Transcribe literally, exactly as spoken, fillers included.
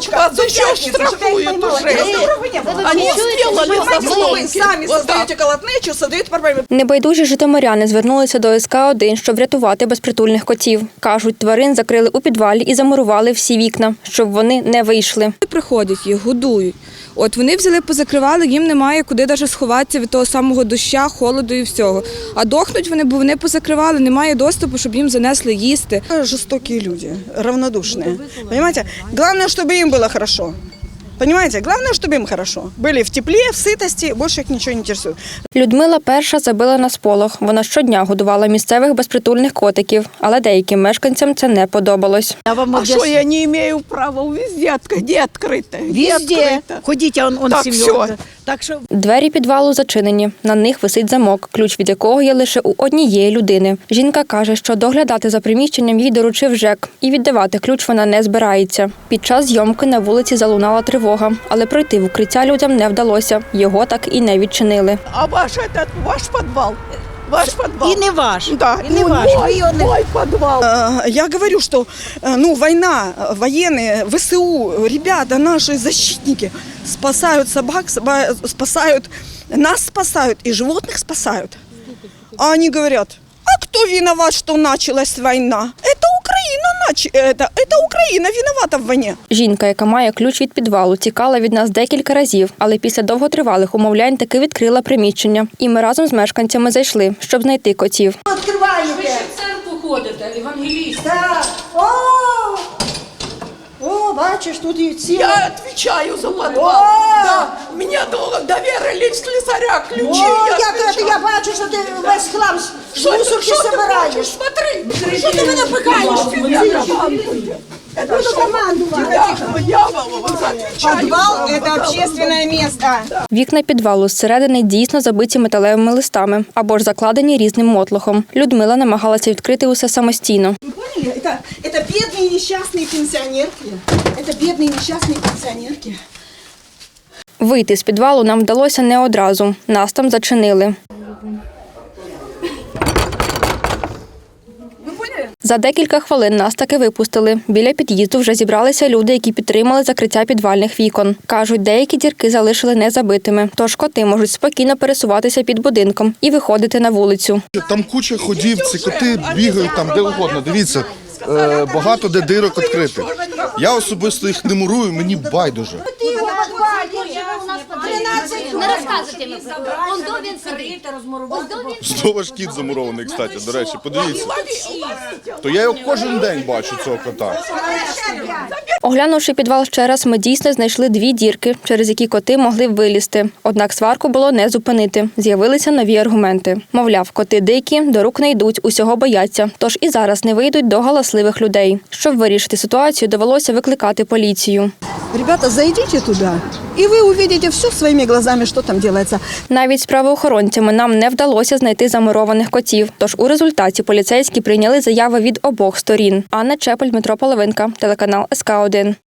Вас еще штрафуют уже. Они сделали заслонки. Сами создаете колотнечу, создаете проблеми. Небайдужі житомиряни звернулися до ес ка один, щоб врятувати безпритульних котів. Кажуть, тварин закрили у підвалі і замурували всі вікна, щоб вони не вийшли. Приходять їх, годують. От вони взяли, позакривали, їм немає куди навіть сховатися від того самого дощу, холоду і всього. А дохнуть вони, бо вони позакривали, немає доступу, щоб їм занесли їсти. Жорстокі люди, равнодушні. Понимаете? Главное, чтобы им было хорошо. Понимаете? Главное, чтобы им хорошо. Были в тепле, в сытости, больше их ничего не интересует. Людмила перша забила на сполох. Вона щодня годувала місцевих безпритульних котиків, але деяким мешканцям це не подобалось. А что я не имею права? Везде, где открыто? Везде. Ходите, он, он Так, семьей. все. Так що Двері підвалу зачинені. На них висить замок, ключ від якого є лише у однієї людини. Жінка каже, що доглядати за приміщенням їй доручив ЖЕК, і віддавати ключ вона не збирається. Під час зйомки на вулиці залунала тривога, але пройти в укриття людям не вдалося. Його так і не відчинили. А ваш этот, ваш подвал? Ваш подвал? і не ваш. Да, І не ну, ваш. Ви мой, його не- мой подвал. Э, Я говорю, что э, ну, война, военные, вэ эс у, ребята, наши защитники спасают собак, соба- спасают, нас спасают и животных спасают. А они говорят, а кто виноват, что началась война? Это Украина, нач... это, это Украина виновата в войне. Жінка, яка має ключ від підвалу, тікала від нас декілька разів, але після довготривалих умовлянь таки відкрила приміщення. І ми разом з мешканцями зайшли, щоб знайти котів. Відкриваєте. Ви ще в церкву ходите, евангеліст. Так. О! О, бачиш, тут і ці. Я отвечаю за подвал. О! Да, мне до- доверили в слесаря ключи. О, я як отвечаю. це, я бачу, що ти весь хлам з Что ты- мусорки что ты хочешь? собираєш. Смотри. Що ти мене пихаєш? Я командую. Это Буду что? командувати. Я, я отвечаю. Подвал – это общественное место. Вікна підвалу зсередини дійсно забиті металевими листами або ж закладені різним мотлохом. Людмила намагалася відкрити усе самостійно. Вы поняли? Это, это бедные несчастные пенсионерки. Это бедные несчастные пенсионерки. Вийти з підвалу нам вдалося не одразу. Нас там зачинили. За декілька хвилин нас таки випустили. Біля під'їзду вже зібралися люди, які підтримали закриття підвальних вікон. Кажуть, деякі дірки залишили незабитими, тож коти можуть спокійно пересуватися під будинком і виходити на вулицю. Там куча ходів, ці коти бігають там де угодно. Дивіться, е, багато де дирок відкритих. Я особисто їх не мурую, мені байдуже. Не розказуйте мені. Он до він сидить. Знову ж кіт замурований, кстати, до речі, подивіться. То я його кожен день бачу, цього кота. Оглянувши підвал ще раз, ми дійсно знайшли дві дірки, через які коти могли б вилізти. Однак сварку було не зупинити. З'явилися нові аргументи. Мовляв, коти дикі, до рук не йдуть, усього бояться, тож і зараз не вийдуть до галасливих людей. Щоб вирішити ситуацію, довелося викликати поліцію. Ребята, зайдите туда, и вы увидите все своими глазами, что там делается. Навіть з правоохоронцями нам не вдалося знайти замурованих котів, тож у результаті поліцейські прийняли заяви від обох сторін. Анна Чепель, Дмитро Половинка, телеканал ес ка один.